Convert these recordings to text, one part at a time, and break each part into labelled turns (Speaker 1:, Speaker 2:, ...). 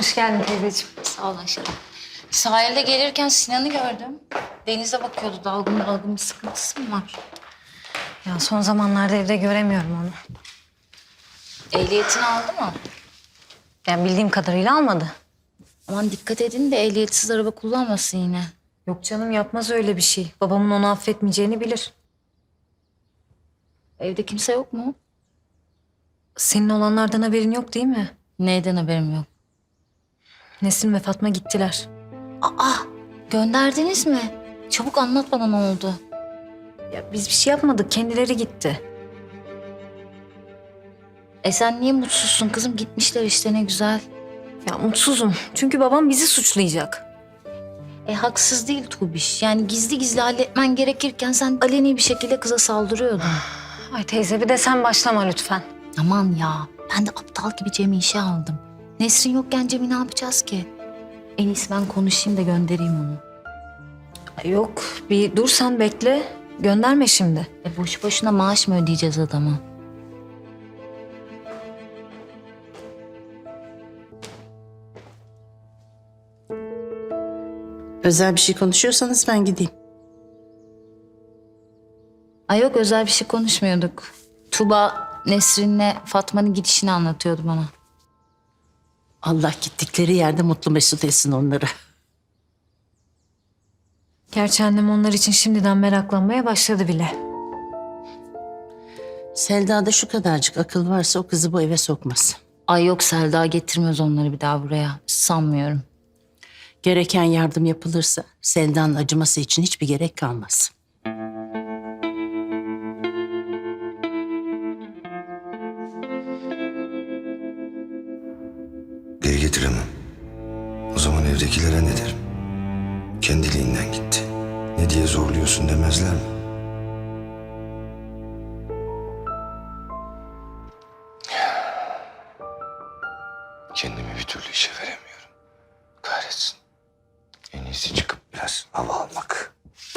Speaker 1: Hoş geldin teyzeciğim.
Speaker 2: Sağ ol aşkım. Sahilde gelirken Sinan'ı gördüm. Denize bakıyordu. Dalgın dalgın bir sıkıntısı mı var?
Speaker 1: Ya son zamanlarda evde göremiyorum onu.
Speaker 2: Ehliyetini aldı mı?
Speaker 1: Yani bildiğim kadarıyla almadı.
Speaker 2: Aman dikkat edin de ehliyetsiz araba kullanmasın yine.
Speaker 1: Yok canım yapmaz öyle bir şey. Babamın onu affetmeyeceğini bilir.
Speaker 2: Evde kimse yok mu?
Speaker 1: Senin olanlardan haberin yok değil mi?
Speaker 2: Neyden haberim yok.
Speaker 1: Nesrin ve Fatma gittiler.
Speaker 2: Aa, gönderdiniz mi? Çabuk anlat bana ne oldu.
Speaker 1: Ya biz bir şey yapmadık. Kendileri gitti.
Speaker 2: Sen niye mutsuzsun kızım? Gitmişler işte ne güzel.
Speaker 1: Ya mutsuzum. Çünkü babam bizi suçlayacak.
Speaker 2: Haksız değil Tuğbiş. Yani gizli gizli halletmen gerekirken sen aleni bir şekilde kıza saldırıyordun.
Speaker 1: Ay teyze bir de sen başlama lütfen.
Speaker 2: Aman ya, ben de aptal gibi Cem'i işe aldım. Nesrin yokken Cem'i ne yapacağız ki? En iyisi ben konuşayım da göndereyim onu.
Speaker 1: Ay yok bir dur sen bekle. Gönderme şimdi.
Speaker 2: Boşu boşuna maaş mı ödeyeceğiz adama?
Speaker 3: Özel bir şey konuşuyorsanız ben gideyim.
Speaker 2: Ay yok, özel bir şey konuşmuyorduk. Tuba Nesrin'le Fatma'nın gidişini anlatıyordu bana.
Speaker 3: Allah gittikleri yerde mutlu mesut etsin onları.
Speaker 1: Gerçi annem onlar için şimdiden meraklanmaya başladı bile.
Speaker 3: Selda'da şu kadarcık akıl varsa o kızı bu eve sokmaz.
Speaker 2: Ay yok, Selda getirmez onları bir daha buraya. Sanmıyorum.
Speaker 3: Gereken yardım yapılırsa Selda'nın acıması için hiçbir gerek kalmaz.
Speaker 4: Geri getiremem. O zaman evdekilere ne derim? Kendiliğinden gitti. Ne diye zorluyorsun demezler mi? Kendimi bir türlü işe veremiyorum. Kahretsin. En iyisi çıkıp biraz hava almak.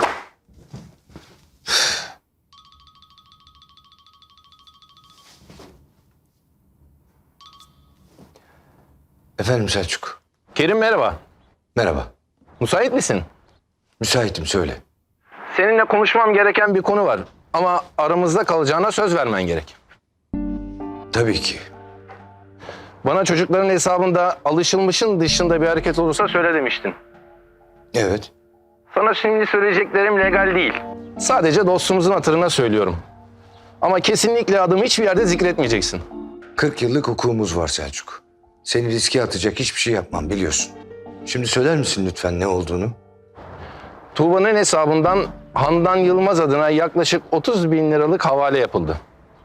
Speaker 4: Efendim Selçuk.
Speaker 5: Kerim merhaba.
Speaker 4: Merhaba.
Speaker 5: Müsait misin?
Speaker 4: Müsaitim söyle.
Speaker 5: Seninle konuşmam gereken bir konu var. Ama aramızda kalacağına söz vermen gerek.
Speaker 4: Tabii ki.
Speaker 5: Bana çocukların hesabında alışılmışın dışında bir hareket olursa söyle demiştin.
Speaker 4: Evet.
Speaker 5: Sana şimdi söyleyeceklerim legal değil. Sadece dostumuzun hatırına söylüyorum. Ama kesinlikle adımı hiçbir yerde zikretmeyeceksin.
Speaker 4: 40 yıllık hukukumuz var Selçuk. Seni riske atacak hiçbir şey yapmam biliyorsun. Şimdi söyler misin lütfen ne olduğunu?
Speaker 5: Tuğba'nın hesabından Handan Yılmaz adına yaklaşık 30 bin liralık havale yapıldı.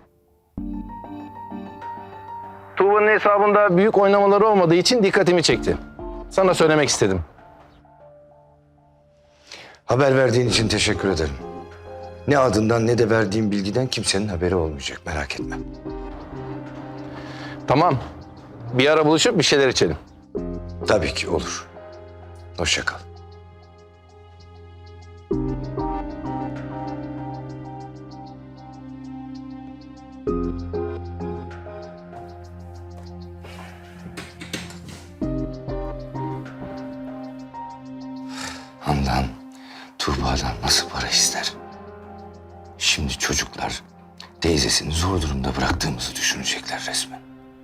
Speaker 5: Tuğba'nın hesabında büyük oynamaları olmadığı için dikkatimi çekti. Sana söylemek istedim.
Speaker 4: Haber verdiğin için teşekkür ederim. Ne adından ne de verdiğim bilgiden kimsenin haberi olmayacak merak etme.
Speaker 5: Tamam. Bir ara buluşup bir şeyler içelim.
Speaker 4: Tabii ki olur. Hoşça kal. Handan, Tuğba'dan nasıl para ister? Şimdi çocuklar teyzesini zor durumda bıraktığımızı düşünecekler resmen.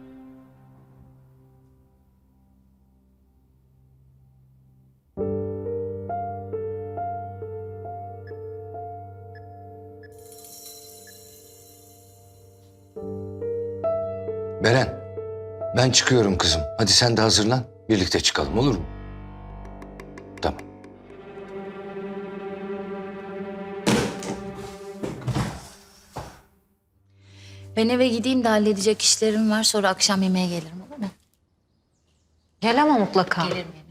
Speaker 4: Beren, ben çıkıyorum kızım. Hadi sen de hazırlan. Birlikte çıkalım olur mu? Tamam.
Speaker 2: Ben eve gideyim de halledecek işlerim var. Sonra akşam yemeğe gelirim, olur mu?
Speaker 1: Gel ama mutlaka.
Speaker 2: Gelirim gelirim.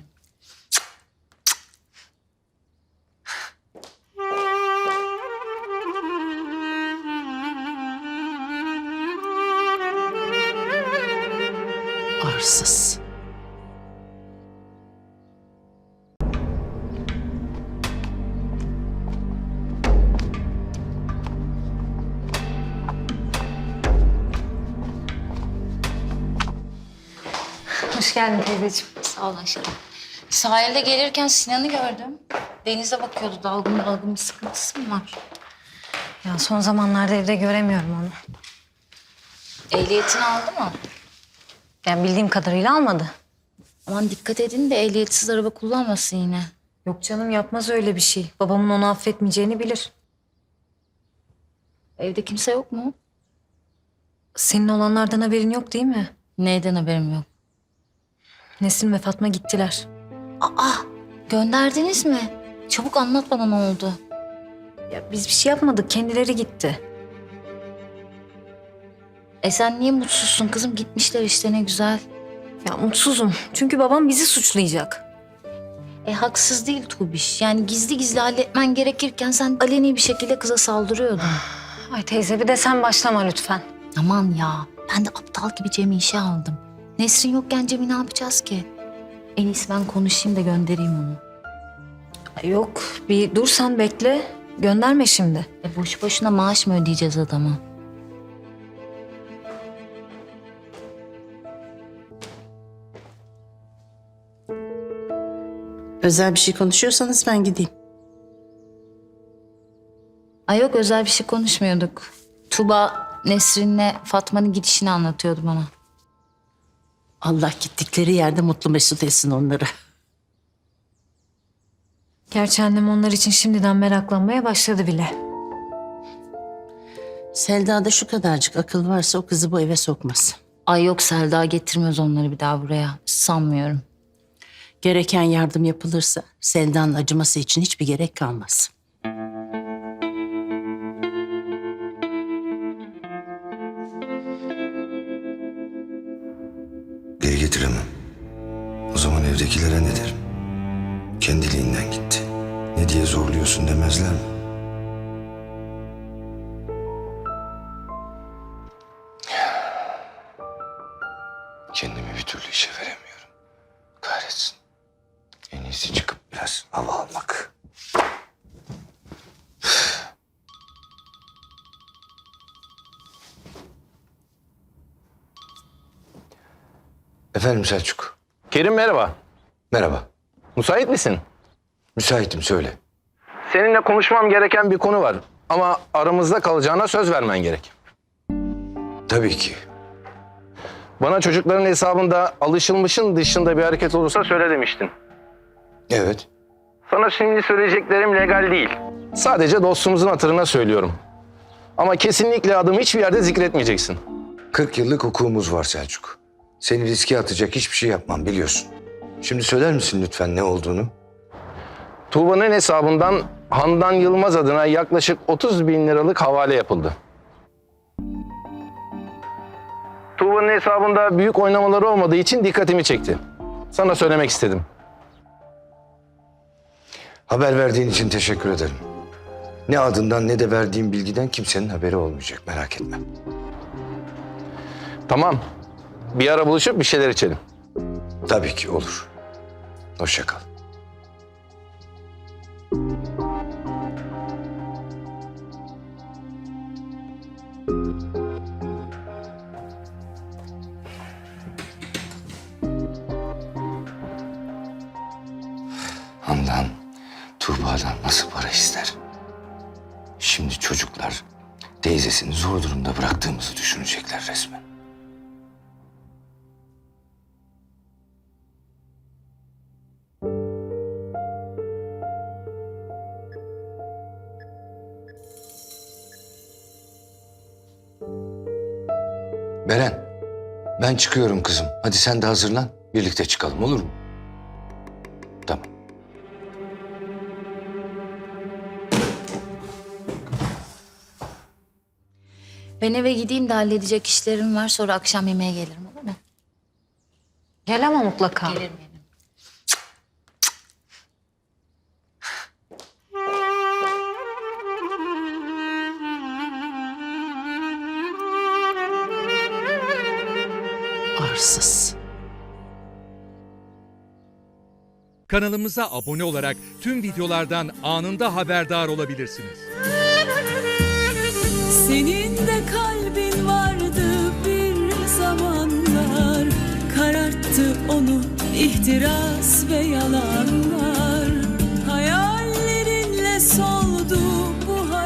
Speaker 3: Arsız.
Speaker 1: Hoş Hoş geldin teyzeciğim.
Speaker 2: Sağ ol Ayşe. Sahilde gelirken Sinan'ı gördüm. Denize bakıyordu. Dalgın dalgın bir sıkıntısı mı var?
Speaker 1: Ya son zamanlarda evde göremiyorum onu.
Speaker 2: Ehliyetini aldı mı?
Speaker 1: Yani bildiğim kadarıyla almadı.
Speaker 2: Aman dikkat edin de ehliyetsiz araba kullanmasın yine.
Speaker 1: Yok canım, yapmaz öyle bir şey. Babamın onu affetmeyeceğini bilir.
Speaker 2: Evde kimse yok mu?
Speaker 1: Senin olanlardan haberin yok değil mi?
Speaker 2: Neyden haberim yok.
Speaker 1: Nesrin ve Fatma gittiler.
Speaker 2: Aa, gönderdiniz mi? Çabuk anlat bana ne oldu.
Speaker 1: Ya biz bir şey yapmadık, kendileri gitti.
Speaker 2: Sen niye mutsuzsun kızım? Gitmişler işte ne güzel.
Speaker 1: Ya mutsuzum çünkü babam bizi suçlayacak.
Speaker 2: Haksız değil Tuğbiş. Yani gizli gizli halletmen gerekirken sen aleni bir şekilde kıza saldırıyordun.
Speaker 1: Ay teyze, bir de sen başlama lütfen.
Speaker 2: Aman ya, ben de aptal gibi Cem'i işe aldım. Nesrin yokken Cem'i ne yapacağız ki? En iyisi ben konuşayım da göndereyim onu.
Speaker 1: Ay yok, bir dur sen bekle. Gönderme şimdi.
Speaker 2: Boşu boşuna maaş mı ödeyeceğiz adama?
Speaker 3: Özel bir şey konuşuyorsanız ben gideyim.
Speaker 2: Ay yok, özel bir şey konuşmuyorduk. Tuba Nesrin'le Fatma'nın gidişini anlatıyordu bana.
Speaker 3: Allah gittikleri yerde mutlu mesut etsin onları.
Speaker 1: Gerçi annem onlar için şimdiden meraklanmaya başladı bile.
Speaker 3: Selda'da şu kadarcık akıl varsa o kızı bu eve sokmaz.
Speaker 2: Ay yok, Selda getirmez onları bir daha buraya. Sanmıyorum.
Speaker 3: Gereken yardım yapılırsa Selda'nın acıması için hiçbir gerek kalmaz.
Speaker 4: Geri getiremem. O zaman evdekilere ne derim? Kendiliğinden gitti. Ne diye zorluyorsun demezler mi? Kendimi bir türlü işe veremiyorum. Kahretsin. En iyisi çıkıp biraz hava almak. Efendim Selçuk.
Speaker 5: Kerim merhaba.
Speaker 4: Merhaba.
Speaker 5: Müsait misin?
Speaker 4: Müsaitim, söyle.
Speaker 5: Seninle konuşmam gereken bir konu var. Ama aramızda kalacağına söz vermen gerek.
Speaker 4: Tabii ki.
Speaker 5: Bana çocukların hesabında alışılmışın dışında bir hareket olursa söyle demiştin.
Speaker 4: Evet.
Speaker 5: Sana şimdi söyleyeceklerim legal değil. Sadece dostumuzun hatırına söylüyorum. Ama kesinlikle adımı hiçbir yerde zikretmeyeceksin.
Speaker 4: 40 yıllık hukukumuz var Selçuk. Seni riske atacak hiçbir şey yapmam, biliyorsun. Şimdi söyler misin lütfen ne olduğunu?
Speaker 5: Tuğba'nın hesabından Handan Yılmaz adına yaklaşık 30 bin liralık havale yapıldı. Tuğba'nın hesabında büyük oynamaları olmadığı için dikkatimi çekti. Sana söylemek istedim.
Speaker 4: Haber verdiğin için teşekkür ederim. Ne adından ne de verdiğim bilgiden kimsenin haberi olmayacak, merak etme.
Speaker 5: Tamam. Bir ara buluşup bir şeyler içelim.
Speaker 4: Tabii ki olur. Hoşça kal. Handan, Tuğba'dan nasıl para ister? Şimdi çocuklar teyzesini zor durumda bıraktığımızı düşünecekler resmen. Beren, ben çıkıyorum kızım. Hadi sen de hazırlan. Birlikte çıkalım, olur mu? Tamam.
Speaker 2: Ben eve gideyim de halledecek işlerim var. Sonra akşam yemeğe gelirim, olur mu?
Speaker 1: Gel ama mutlaka.
Speaker 2: Gelirim.
Speaker 3: Arsız.
Speaker 6: Kanalımıza abone olarak tüm videolardan anında haberdar olabilirsiniz.
Speaker 7: Senin de kalbin vardı bir zamanlar, kararttı Sarstı onu ihtiras ve yalanlar, hayallerinle son